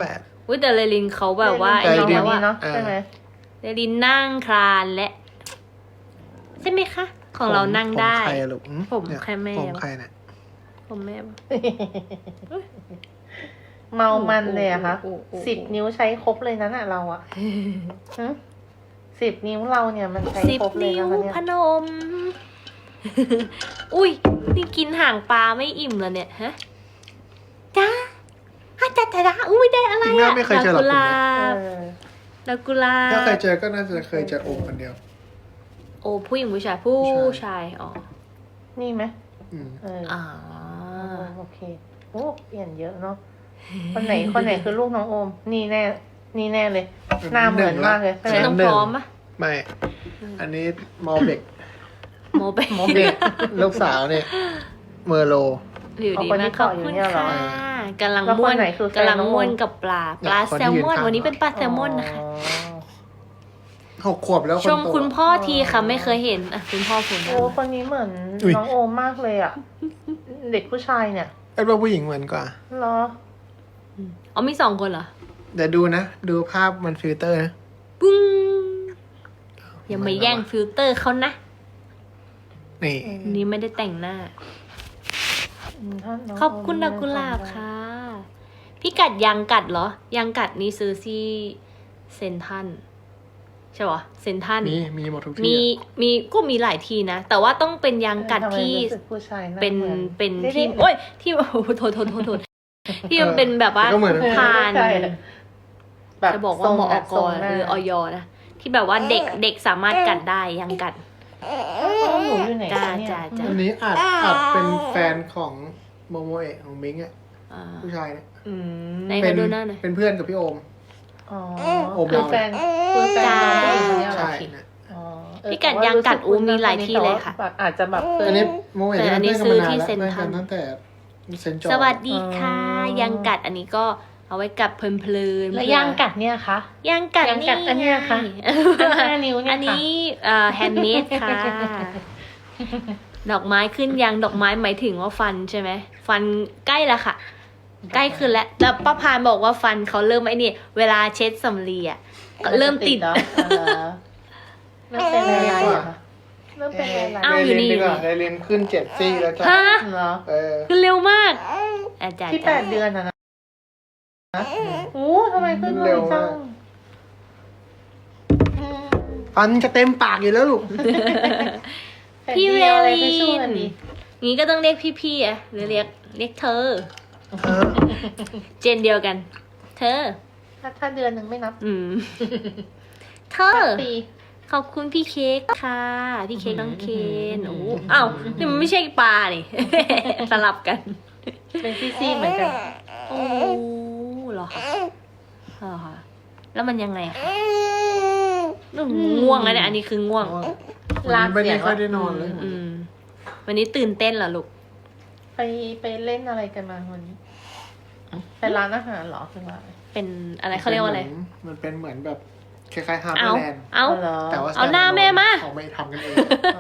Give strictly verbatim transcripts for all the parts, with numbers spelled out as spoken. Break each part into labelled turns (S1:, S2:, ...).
S1: แปด
S2: อุ้ยแต่เรลินเขาแบบว่าไอ้นี่แล้วอะ
S3: ใช่ไหม
S2: เรลินนั่งคลานและใช่ไหมคะของเรานั่งได้
S1: ผมใครอะลูก
S2: ผมใครแม่
S1: ผมใครเนี่ย
S2: ผมแม่
S3: เมามันเลยอะคะสิบนิ้วใช้ครบเลยนั้นอะเราอะสิบนิ้วเราเนี่ยมันใช้ครบเลยนะคะเนี่ย
S2: พนมอุ้ยนี่กินห่างปลาไม่อิ่มแล้วเนี่ยฮะจ้าฮะจ้าจ้าอุ้ยได้อะไรอะ
S1: ไม่เคยเจอหรอก
S2: ดากุลา
S1: ถ้าเคยเจอก็น่าจะเคยเจอโอมคนเดียว
S2: โอ้ผู้หญิงผู้ชายผู้ชายอ๋อ
S3: นี่ไหม
S1: อืม
S3: เออ
S2: อ๋อ
S3: โอเคโอ้เปลี่ยนเยอะเนาะคนไหนคนไหนคือลูกน้องโอมนี่แน่นี่แน่เลยหน้าเหมือนมากเลยใช่ไหม
S2: น้องพร้อมปะ
S1: ไม่อันนี้มอเบก
S2: โมเบก
S3: โมเบก
S1: ลูกสาวเนี่ยเมอร์โล
S2: อยู่ดีมากขอบคุณค่ะกำลังม้วนกำลังม้วนกับปลาปลาแซลมอนวันนี้เป็นปลาแซลมอนนะคะ
S1: หกขวบแล้ว
S2: ชมคุณพ่อทีค่ะไม่เคยเห็นอ่ะคุณพ่อผม
S3: โอ้คนนี้เหมือนน้องโอมมากเลยอ่ะเด็กผู้ชายเนี่ย
S1: ไอ้ว่าผู้หญิงเหมือนกว่า
S3: เหรอ
S2: อ๋อมีสองคนเหรอ
S1: เดี๋ยวดูนะดูภาพมันฟิลเตอร์นะ
S2: ปุ้งอย่ามาแย่งฟิลเตอร์เขานะ
S1: นี่
S2: นี่ไม่ได้แต่งหน้าขอบคุณดอกกุหลาบค่ะพี่กัดยังกัดเหรอยังกัดนี่ซื้อที่เซนทันใช่ปะเซนทัน
S1: มีมีหมดทุกที่
S2: มีมีก็มีหลายที่นะแต่ว่าต้องเป็นยังกัดที่เป็นเป็นที่โอ้ยที่โอ้โทษโทษโทษโทษที่มันเป็นแบบว่าทานจะบอกว่าหมออกรหรือออยนะที่แบบว่าเด็กเด็กสามารถกัดได้ยังกัด
S3: จ้า
S2: จ้าจ้า
S1: อันนี้อาจอาจเป็นแฟนของโมโมเอะของมิงอ่ะผู้ชายเนี่ย
S2: เป็น
S1: เป็นเพื่อนกับพี่โอม
S3: โอมคือแฟนคือแฟนน้องเองเนี่ย
S1: ใช่
S2: พี่กัดยังกัดอูมีหลายที่เลยค่ะ
S3: อาจจะแบบ
S1: อันนี้โมเอะ
S2: แต่อันนี้ซื้อที่เซ็นทรัล
S1: ตั้งแต่เซนจอ
S2: สวัสดีค่ะยังกัดอันนี้ก็เอาไว้กัดเพลินๆ
S3: แล้วยังกัดเนี่ยคะ
S2: ยังกัด
S3: ยังกัดอันเนี้ยค่ะห้านิ้วเนี่ย
S2: อันนี้แฮนด์เมดค่ะดอกไม้ขึ้นยังดอกไม้หมายถึงว่าฟันใช่ไหมฟันใกล้แล้วค่ะใกล้ขึ้นแล้วแต่ป้าพานบอกว่าฟันเขาเริ่มไอ้นี่เวลาเช็ดสำลีอ่ะเริ่มติด
S3: เริ่มเป็นอะไรอ่ะเริ่มเป็นอะไร
S2: อ้าวอยู่นี่
S1: ไดเรนขึ้นเจ็ดซี่แล้วจ้ะ
S2: ฮะ
S1: ขึ้
S2: นเร็วมากอาจารย์
S3: ที่แปดเดือนอ่ะนะโอ้ทำไมขึ้นเร็วจัง
S1: ฟันจะเต็มปากอยู่แล้วลูก
S2: พี่เวลีนงี้ก็ต้องเรียกพี่ๆอ่ะหรือเรียกเรียกเธอเจนเดียวกันเธอ
S3: ถ้าถ้าเดือนหนึ่งไม่นับ
S2: อืมเธอขอบคุณพี่เค้กค่ะพี่เค้กน้องเคนโอ้อ้าวนี่มันไม่ใช่ปลานี่สลับกัน
S3: เป็นซี่ๆเหมือนกัน
S2: โอ้เหรอเหรอคะแล้วมันยังไงคะง่วงนะเนี่ยอันนี้คือง่วง
S1: ลาไม่ได้ค่อยได้นอนเลย
S2: อืมวันนี้ตื่นเต้นเหรอลูก
S3: ไปไปเล่นอะไรกันมาวันนี้ไปร้านอาหารเหรอคือว่า
S2: เป็นอะไรเขาเรียกว่าอะไร
S1: มันเป็นเหมือนแบบคล้ายๆฮาร์เบอร์แลนด์
S2: เอา
S1: แต่ว่า
S2: เอาหน้าแม่มา
S1: เขาไม่ทำกันเอง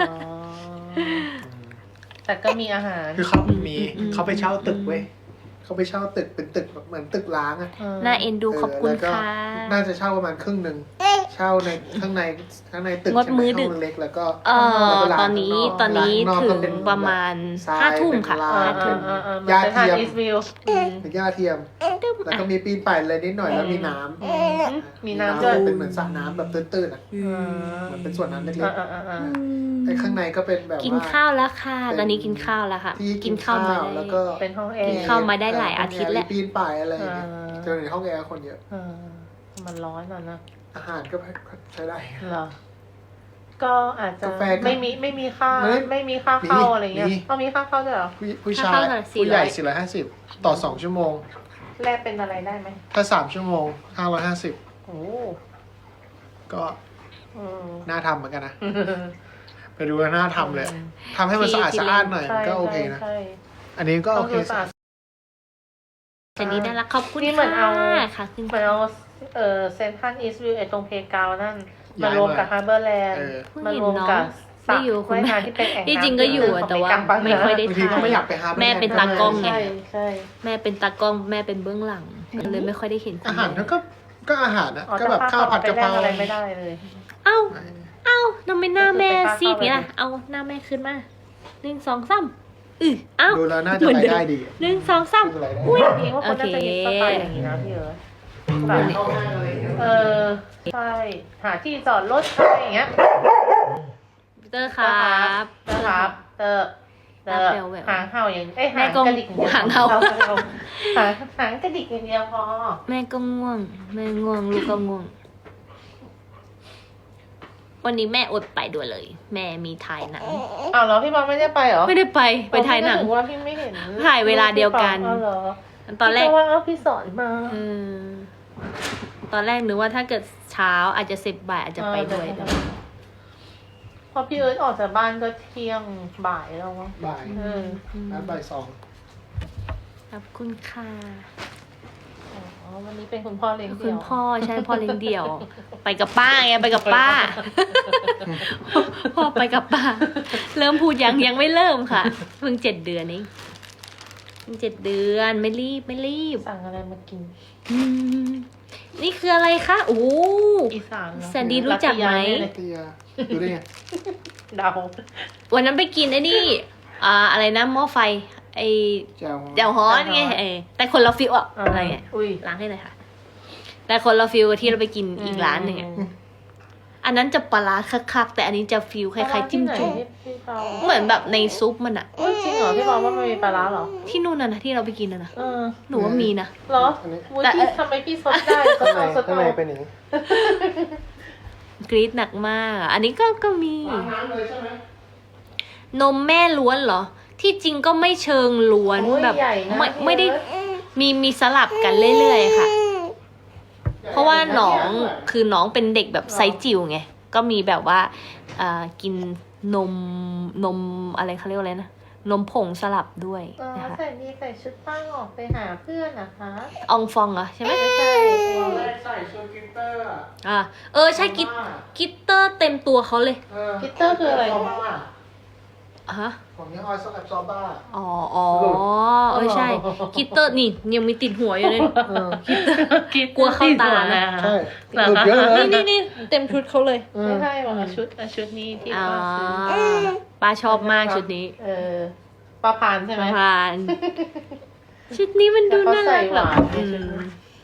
S3: แต่ก็มีอาหาร
S1: คือเขามีเขาไปเช่าตึกเว้ยเขาไปเช่าตึกเป็นตึกเหมือนตึกล้างอะ
S2: น่าเอ็นดูขอบคุณค่ะ
S1: น่าจะเช่าประมาณครึ่งหนึ่งเช่าในข้างในข้างในตึก
S2: งดมือดึก
S1: เล็กแล้วก็
S2: เออตอนนี้ตอนนี้ถึงประมาณห้าทุ่มค่ะห้าทุ่ม
S1: ยาเทียมเป็นยาเทียมแล้วก็มีปีนป่ายเลยนิดหน่อยแล้วมีน้ำ
S3: มีน้ำด้วย
S1: เป็นเหมือนสระน้ำแบบตื้นๆอ่ะเหมือนเป็นส่วนน้ำเล็กๆไอ้ข้างในก็เป็นแบบ
S2: กินข้าวแล้วค่ะตอนนี้กินข้าวแล้วค่ะกินข้าวมา
S1: แล้วก็
S3: เป็นห้องแอร์
S2: กินข้าวมาได้หลายอาทิตย์แล้ว
S1: ปีนป่ายอะไรอย่างเงี้ยเจอในห้องแอร์คนเยอะ
S3: มันร้อนอ่ะนะ
S1: อาหารก็ใช้ได้
S3: เหรอก็อาจจะไม่มีไม่มีค่าไม่มีค่าเข้าอะไรเงี้ยต้องมีค่าเข้าด้วยเหรอ
S1: ผู้ชายผู้ใหญ่สี่ร้อยห้าสิบต่อสองชั่วโมง
S3: แลกเป็นอะไรได้ไหม
S1: ถ้าสามชั่วโมงห้าร้อยห้าสิบ
S3: โอ้
S1: ก็น่าทำเหมือนกันนะไปดูน่าทำเลยทำให้มันสะอาดสะอาดหน่อยก็โอเคนะอันนี้ก็โอเค
S2: แต่นี้ได้ละขอบคุณ
S3: ที่เหมือนเอา
S2: ค่ะ
S3: เหมือนเอาเออเซนทรัลอีสต์วิวไอ้ตรงเพกาวนั่นมารวมกับฮาร์เบอร์แลนด์มารวมกับ
S2: สระว่ายน้ำที่เป็นแอ่งน้ำที่จริงก็อยู่แต่ว่าไม่ค่อยได้ถ่ายแม่เป็นตากล้องไงแม่เป็นตากล้องแม่เป็นเบื้องหลังเลยไม่ค่อยได้เห็นคุณ
S1: อาหาร
S2: แม่
S1: ก็ก็อาหารนะ
S3: อ๋อ
S1: ก็แบบข้าวผัดกะเพรา
S3: อะไรไม่ได้เลย
S2: เอ้าเอ้าทำไมหน้าแม่
S3: ก็คือไป
S2: ซีดเนี่ย
S3: เข้าไป
S2: เอาหน้าแม่ขึ้นมาหนึ่งสองสามอือเอ้า
S1: ดูแล้วน่าจะรายได้ดี
S2: หนึ่งสองสาม
S1: ดูรายได้
S2: อุ้ย
S3: พี่ว่าคนน่าจะมีสไตล์อย่างนี้นะพี่เอิร์ธแบบ
S1: เข้าห้างอะไรอย่างเงี้ย
S3: เออใช่หาที่จอดรถอะไรอย่างเงี้ย
S2: เตอร์ครับ
S3: เตอร์ครับเตอร์เตอร์
S2: แววแวว
S3: หางเห่าอย่างเอ้ย
S2: แม่
S3: หาง
S2: ก็
S3: กระดิกอย่างเดียว
S2: หางเห่า
S3: หางหางกระดิกอย่างเดียวพอ
S2: แม่ก็ง่วงแม่ง่วงลูกก็ง่วง วันนี้แม่อดไปด้วยเลย แม่มีถ่ายหนัง
S3: อ้าวเหรอพี่บอลไม่ได้ไปเหรอ
S2: ไม่ได้ไปไปถ่ายหนัง
S3: ผมก็นึกว่าพี่ไม่เห็น
S2: ถ่ายเวลาเดียวกัน
S3: อ้าวเหรอ
S2: ตอนแรก
S3: พี่ว่าเอาพี่สอนมา
S2: เออตอนแรกนึกว่าถ้าเกิดเช้าอาจจะเสร็จบ่ายอาจจะไปด้วย
S3: เออพอพี่เอิร์ธออกจากบ้านก็เที่ยงบ่ายแล้วมั้ง
S1: บ่าย
S3: เออ
S1: นัดบ่ายสอง
S2: ขอบคุณค่ะ
S3: อ๋อวันนี้เป็นคุณพ่อเลี้ยง
S2: คุ
S3: เดี่
S2: ณ
S3: ยว
S2: พ่อใช่พ่อเลี้ยงเดี่ยว ไปกับป้าไงไปกับป้า พ่อไปกับป้า เริ่มพูดยังยังไม่เริ่มค่ะ เพิ่งเจ็ดเดือนเองเพิ่งเจ็ดเดือนไม่รีบไม่รีบ
S3: สั่งอะไรมากิน
S2: อืมนี่คืออะไรคะโอ้
S3: อีสานเนอะ
S2: แซนดี้รู้จักไหม
S3: รัตยาเนี่ย
S1: เตียดูได้ไง
S3: เดา
S2: วันนั้นไปกินไอ้นี่ อ่าอะไรนะหม้อไฟ ไอ
S1: แจ่ว
S2: เจ้าฮ้อนไงเออแต่คนละฟิลอะ
S3: อ่า
S2: อะไรเงี้ย
S3: อุ้ย
S2: ล้างให้หน่อยค่ะ แต่คนละฟิลกับที่เราไปกินอีกร้านหนึ่งอะอันนั้นจะปลาร้าคักๆแต่อันนี้จะฟิลคล้ายๆจิ้มจุ่ม
S3: ที่พี่เปา
S2: เหมือนแบบในซุปมันอะ
S3: เอ้ยจริงเหรอพี่เปาว่ามันมีปลาร้าเหรอ
S2: ที่นู่นน่ะนะที่เราไปกินน่ะนะ
S3: เออ
S2: หนูว่ามีนะ
S3: เหรอ
S1: อันนี้
S3: อุ้ย
S2: แต่
S3: พี่ทำไมพี่ซดได้ซ
S1: ข้าง
S3: ด
S1: ใน
S3: เอาซด
S1: ข้าง
S3: เอา
S1: ในเป็นอย่างนี้
S2: กรี๊ดหนักมากอะอันนี้ก็ก็มี
S1: ล้างน้ำเลยใช่ไหม
S2: นมแม่ล้วนเหรอ ที่จริงก็ไม่เชิงล้วน
S3: โอ้ย
S2: แบบ
S3: ใหญ่นะ
S2: ไม่
S3: พี่
S2: ไม่ได้
S3: เอิร์ธ
S2: มีมีสลับกันเรื่อยๆค่ะ เพราะว่าน้องคือน้องเป็นเด็กแบบไซส์จิ๋วไง ก็มีแบบว่าอ่ากินนมนมอะไรเขาเรียกว่าอะไรนะ นมผงสลับด้วย
S3: อ๋อ
S2: นะคะ
S3: ใส่ดีใส่ชุดตั้งออกไปหาเพื่อนนะคะ
S2: อองฟองเหรอใช่ไหม
S3: ไม่ใช่
S1: ตอนแรกใส่ชวนกิตเตอร์อะ
S2: อ่าเออใช่กิตกิตเตอร์เต็มตัวเขาเลย
S3: กิตเตอร์คืออะไร
S1: ซอบ้า
S2: ฮะ
S1: ของยี่ห้อแอบซอบ้า
S2: อ๋ออ๋อเออใช่ กิตเตอร์นี่ยังมีติดหัวอยู่เลย
S1: เออ
S2: กลัวเข้าตานะ
S1: ใช่
S3: เหรอ
S1: หลุด
S3: คะ
S1: เยอะเลย
S2: นี่นี่นี่เต็มชุดเขาเลย
S1: เอ
S3: ไม่
S1: อ
S3: ใช่หรอกค่ะชุดอ่ะชุดนี้ที่
S2: อ่า
S3: ป้าซื้อ
S2: ป้าชอบมากชุดนี้
S3: เออปลาพานใช่ไหม
S2: ผ่าน ชุดนี้มันดูน่ารักแบบ
S3: แต่เขาใส่หวานใน
S2: อื
S3: ชุด
S2: ม
S3: นี้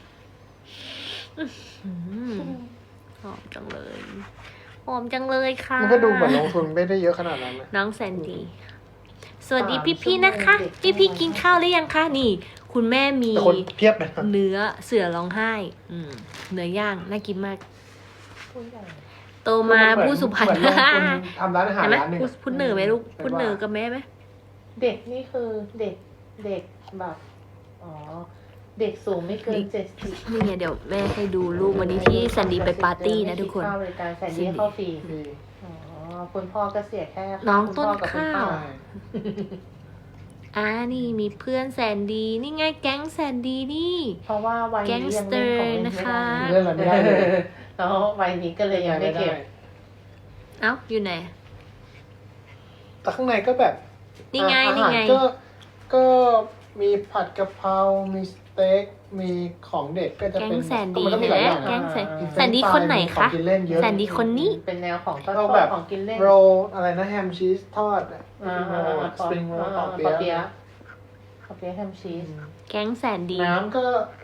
S2: อืมหอมจังเลย หอมจังเลยค่ะ
S1: มันก็ดูเหมือนลงทุนไม่ได้เยอะขนาดนั้นนะ
S2: น้องแซนดี้ สวัสดีพี่ๆนะคะ พี่ๆกินข้าวหรือยังคะนี่ คุณแม่มี
S1: แต่คนเพียบเลยนะ
S2: เนื้อเสือร้องไห้ อืม เนื้อย่างน่ากินมาก
S3: ผู้ใหญ่
S2: โตมาผู้สุพรรณ
S1: เหมือนลงทุนทำร้านอาหาร
S2: เห็นไหม
S1: ร้านหนึ่ง
S2: พูดพูดเหนือไหมลูกพูดเหนือกับแม่ไหม
S3: เด็กนี่คือเด็กเด็กแบบอ๋อเด็กสูงไม่เกินเจ็ดสิบ
S2: นี่ไงเดี๋ยวแม่ให้ดูรูปวันนี้ที่แซนดี้ไปปาร์ตี้นะทุกคน
S3: เข้าบริการแซนดี้เข้าฟรี
S1: มี
S3: อ๋อคุณพ่อก็เสียแค่
S2: น้อง
S3: คุณ
S2: ต้น
S3: พ่กับคุณ
S2: ข้าว
S3: ป้
S1: ใช่
S2: อ่านี่มีเพื่อนแซนดี้นี่ไงแก๊งแซนดี้นี่
S3: เพราะว่าวัยนี้ยังเล่นของเล่นไม่
S2: นะคะ
S3: ได้
S1: เรื่องอะไรไม่ได้เลย
S3: แล้ววัยนี้ก็เลยยังไม่เก็บ
S2: เอ้าอยู่ไหน
S1: แต่ข้างในก็แบบ
S2: นี่ไง
S1: อา
S2: นี่
S1: หาร
S2: ไง
S1: ก็ก็มีผัดกะเพรา มีสเต็ก มีของเด็กก็จะ
S2: แก๊ง
S1: เป็น
S2: แซนดี้
S1: ก็มันก็มีหลายอย่าง
S2: แก๊
S1: นะ
S2: งแซน
S1: มี
S2: แซนดี้คนไหน
S1: ขอ
S2: คะ
S1: งกินเล่นเยอะ
S2: แซนดี้คนนี้
S3: เป็นแนวของทอด
S1: ก็แบบ
S3: ของกินเล่น
S1: โรลอะไรนะแฮมชีสทอดอะ
S3: อ่า
S1: โรลสปริงโรล
S3: อ่า
S1: ปอ
S3: ปอ
S1: เปี๊
S3: เปี๊
S1: ยะ
S3: ยะปอเปี๊ยะแฮมชีส
S2: แก๊งแซนดี้
S1: น้ำก็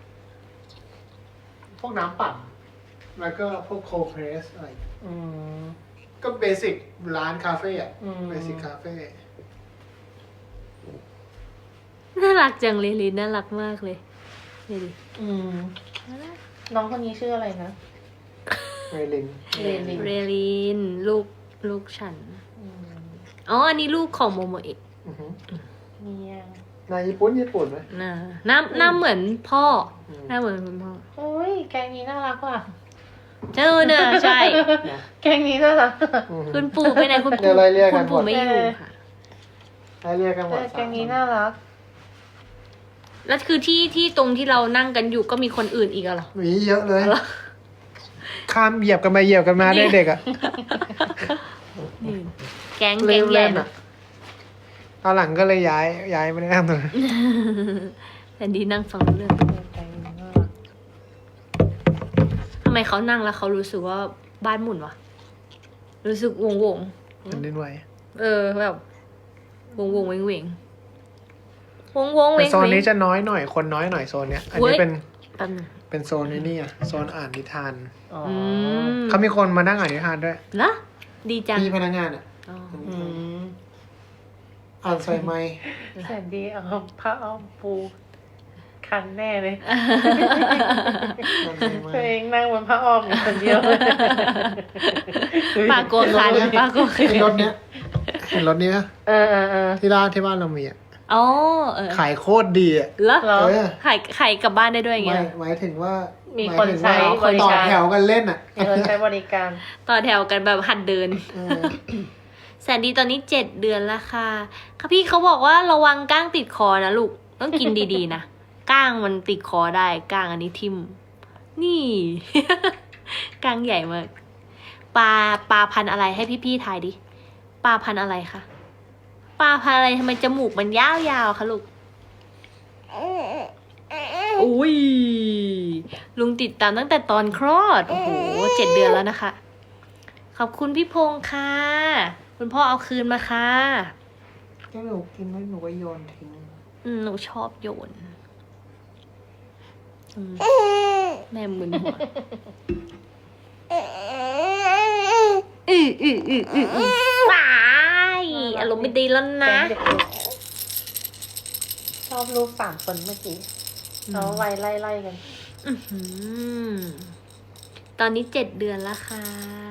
S1: พวกน้ำปั่น แล้วก็พวกโคเพรสอะไร
S3: อืม
S1: ก็เบสิกร้านคาเฟ่อะ
S3: อืม
S1: เบสิกคาเฟ่
S2: น่ารักจังเลยลินน่ารักมากเลยนี่ดิ
S3: อืมน้องคนนี้ชื่ออะไรนะ
S1: เรลิน
S3: เรลิน
S2: เรลินลูกลูกฉัน
S3: อืม
S2: อ๋ออันนี้ลูกของโมโมเอะ
S1: อือหือ
S3: เนี่ย
S1: นายญี่ปุ่นญี่ปุ่นไหม
S2: น่าหน้าหน้าเหมือนพ่อ
S1: อืม
S2: หน้าเหมือนคุณพ่อ
S3: โอ้ยแกงนี้น่ารักว่ะ
S2: เจอเนอะใช่
S3: แกงนี้น่ารัก
S1: อือหือ
S2: คุณปู่ไปไหนคุณ
S1: เดี๋
S2: ปู่
S1: ยวไล่เรียกกั
S2: คุ
S1: น
S2: ณ
S1: หม
S2: ปู่
S1: ด
S2: ไม่อยู่ค่ะ
S1: ให้เรียกกันหม
S3: เอ
S1: ด
S3: อแกงนี้น่ารัก
S2: แล้วคือที่ที่ตรงที่เรานั่งกันอยู่ก็มีคนอื่นอีกอะเหรอ
S1: หวีเยอะเลย ข้ามเหยียบกันมาเหยียบกันมาได้เด็กอ่ะ
S2: นี่แก๊ง
S1: เล่
S2: แก๊
S1: น
S2: ง
S1: เล่
S2: แย่
S1: น
S2: น
S1: อ่ะตอนหลังก็เลยย้ายย้ายไม่ได้นั่งตรงนั้น
S2: แผ่นดีนั่งฟังเรื่อง
S3: แกงนี้น่ารัก
S2: ำไมเขานั่งแล้วเขารู้สึกว่าบ้านหมุนวะรู้สึกวงวง
S1: มันเล่นไว
S2: ๆเออแบบวงวงเวงเวงวงวงเว
S1: แต่
S2: ง
S1: โซน
S2: เว
S1: นี้
S2: ง
S1: จะน้อยหน่อยคนน้อยหน่อยโซนเนี้ยอัน
S2: เว้
S1: นี้
S2: ย
S1: เป็น
S2: แป๊บนึง
S1: เป็นโซนนี้นี่อ่ะโซนอ่านนิทาน
S3: อ๋อ
S2: อืม
S1: เขามีคนมานั่งอ่านนิทานด้วย
S2: เหรอดีจัง
S1: พี่พนักงานอ่ะ
S2: อ๋อ
S3: อืม
S1: อ่านใส่ไม้
S3: แสนดีเอาผ้าอ้อมปูคันแน่เลย
S1: อ่านใส่ไม้
S3: ตัวเองนั่งบนผ้าอ้อมอยู่คนเดียว
S2: ปลาโกคันปลาโกคั
S1: เห็
S2: น
S1: นรถเนี้ยเห็นรถเนี้ย
S3: เออเออเออ
S1: ที่ร้านที่บ้านเรามีอ่ะ
S2: อ๋อเออ
S1: ขายโคตรดีอ่ะ
S2: เหรอ
S3: เหรอ
S1: เออ
S2: ไข่ไข่กลับบ้านได้ด้วยอย่าง
S1: หมา
S2: เงี้
S1: ย
S2: ย
S1: หมายถึงว่า
S3: มี
S1: หาย
S3: คน
S1: ถึง
S3: ใช้
S1: ว่า
S3: บริ
S1: ต่อ
S3: การ
S1: แถวกันเล่นอ่ะ
S3: มีคนใช้บริการ
S2: ต่อแถวกันแบบหัดเดิน
S1: เออ
S2: แสนดีตอนนี้เจ็ดเดือนแล้วค่ะค่ะพี่เขาบอกว่าระวังก้างติดคอนะลูก ต้องกินดีๆนะ ก้างมันติดคอได้ ก้างอันนี้ทิ่ม นี่ ก้างใหญ่มาก ปลาปลาพันธุ์อะไรให้พี่ๆทายดิ ปลาพันธุ์อะไรคะ ปลาพันธุ์อะไรทำไมจมูกมันยาวๆคะลูก อุ้ย ลุงติดตามตั้งแต่ตอนคลอด โอ้โหเจ็ดเดือนแล้วนะคะ ขอบคุณพี่พงษ์ค่ะ คุณพ่อเอาคืนมาค่ะ
S1: ก็หนูกินแล้วหนูก็โยนทิ้ง
S2: อืมหนูชอบโยนอืมแม่มึนหัวอืออืออืออืออือไปอารมณ์ไม่ดีแล้วนะ
S3: แก๊งเด็กๆชอบรูปสามคนเมื่อกี้เขาไวไล่ไล่ๆกัน
S2: อื้อหือตอนนี้เจ็ดเดือนแล้วค่ะ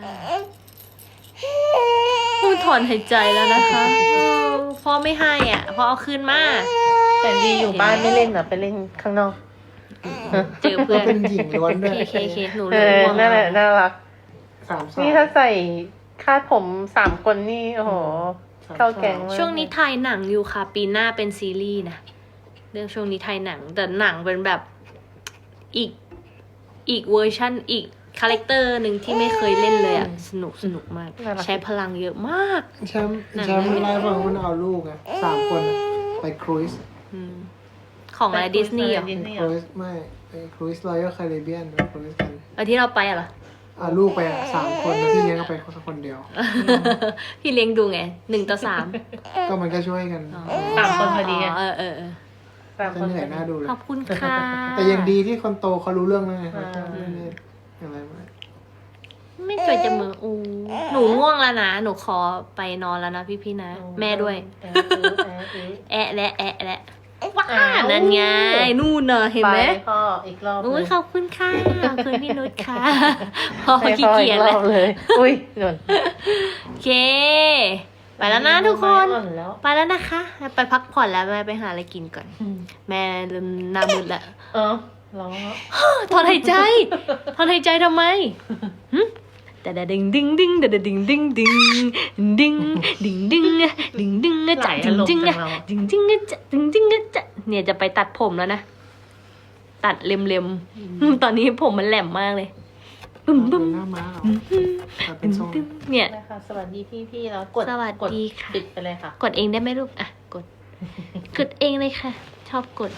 S2: พูดถอนหายใจแล้วนะคะเออพ่อไม่ให้อ่ะพ่อเอาคืนมา
S3: แต่ดีอยู่บ้านไม่เล่นเหรอไปเล่นข้างนอก
S2: เจอเพื่
S1: ก็
S2: อน
S1: เป็นหญิงล้วนด้วย
S2: เคเคเคหนู
S3: เอ
S2: รู้
S3: อ
S2: ว่า
S3: นั่นแหละน่ารัก
S1: สามสาม
S3: นี่ถ้าใส่คาดผมสามคนนี่โอ้โห เข้าแก๊งมาก
S2: ช่วงนี้ถ่ายหนังอยู่ค่ะ ปีหน้าเป็นซีรีส์นะเรื่องช่วงนี้ถ่ายหนัง แต่หนังเป็นแบบอีกอีกเวอร์ชันอีกคาแรคเตอร์หนึ่งที่ไม่เคยเล่นเลยอ่ะ สนุกสนุกมาก ใช้พลังเยอะมาก
S1: แชมป์แชมป์ไล่ฟังมันเอาลูกอ่ะสามคนอะไปครูซ
S2: อืมของอะไรดิสนีย์เหรอ
S3: ดิสนีย์
S1: ครูซไม่ไปครูซรอยัลแคริบเบียนไปครูซกัน
S2: เอาที่เราไปอะเหรอ
S1: เอาลูกไปอะสามคนแล้วพี่เลี้ยงก็ไปคนคนเดียว
S2: พี่เลี้ยงดูไงหนึ่งต่อสาม
S1: ก็มันก็ช่วยกัน
S3: สามคนพอดีไง
S2: เออเออเออ
S3: สาม
S1: จะ
S3: คน
S1: เหนื่อย
S3: พ
S1: น่า
S3: อดี
S1: ดูเลย
S2: ขอบคุณค่ะ
S1: แต่ยังดีที่คนโตเขารู้เรื่องแล้วไงเขา
S3: อ่า
S1: ไม่ได้อะไรมาก
S2: ไม่จอยจะมืออูหนูง่วงแล้วนะ หนูขอไปนอนแล้วนะพี่พี่ๆนะ แม่ด้วย
S3: เออเออเออเออ
S2: แอะและแอะและว้า
S3: อ้าว
S2: นั่นไงนู่นน่ะเห็นไหม
S3: ไปพ่ออีกรอบ
S2: โอ้ย
S3: เลย
S2: ขอบคุณค่ะขอบคุณพี่นุชค่ะพอ
S3: ไป
S2: ขี้
S3: พ่อ
S2: เกี
S3: อี
S2: ยจ
S3: กร
S2: เล
S3: อย บเลย อุ้ยหนุน
S2: โอเค ไปแล้วนะทุกคน
S3: ไม้อ่อแล้ว
S2: ไปแล้วนะคะ ไปพักผ่อนแล้วแม่ไปหาอะไรกินก่อน แม่เริ่มหน้ามืดแล้ว
S3: เออร้องแล้ว
S2: ถอนหายใจถอนหายใจทำไมหึแต่ดดิ้งดิ้งดิ้งแต่ดิ้งดิ้งดิ้งดิ้งดิ้งดิ้งดิ้งดิ้งจัดดิ้งดิ้งดิ้งดิ้งจัดดิ้งดิ้งจัดเนี่ยจะไปตัดผมแล้วนะ ตัดเล็มๆตอนนี้ผมมันแหลมมากเลยบึ้มบึ้ม
S1: หน้าม้าเหรอแต่เป็นทรง
S2: เนี่ย
S3: นะคะสวัสดีพี่พี่ๆแล้วกด
S2: สวัส
S3: กด
S2: ดีค่ะ
S3: ปิดไปเลยค่ะ
S2: กดเองได้ไหมลูกอ่ะกด กดเองเลยค่ะ ชอบกด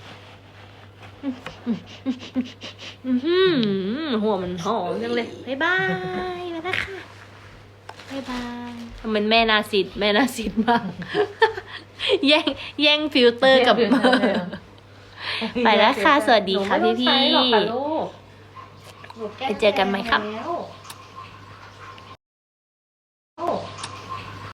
S2: อื้อหือหัวมันหอมจังเลยบ๊ายบายมาแล้วค่ะบ๊ายบายทำไมแม่นาซิดแม่นาซิดมาก แย่งแย่งฟิลเตอร์กับ ไปแล้วค่ะสวัสดีค่ะ
S3: หนูไม่ต้อง
S2: พี่ๆ
S3: ใช้หรอกค่ะลูกหนูแก้
S2: ไปเจอกันไหมครับ
S3: แล้ว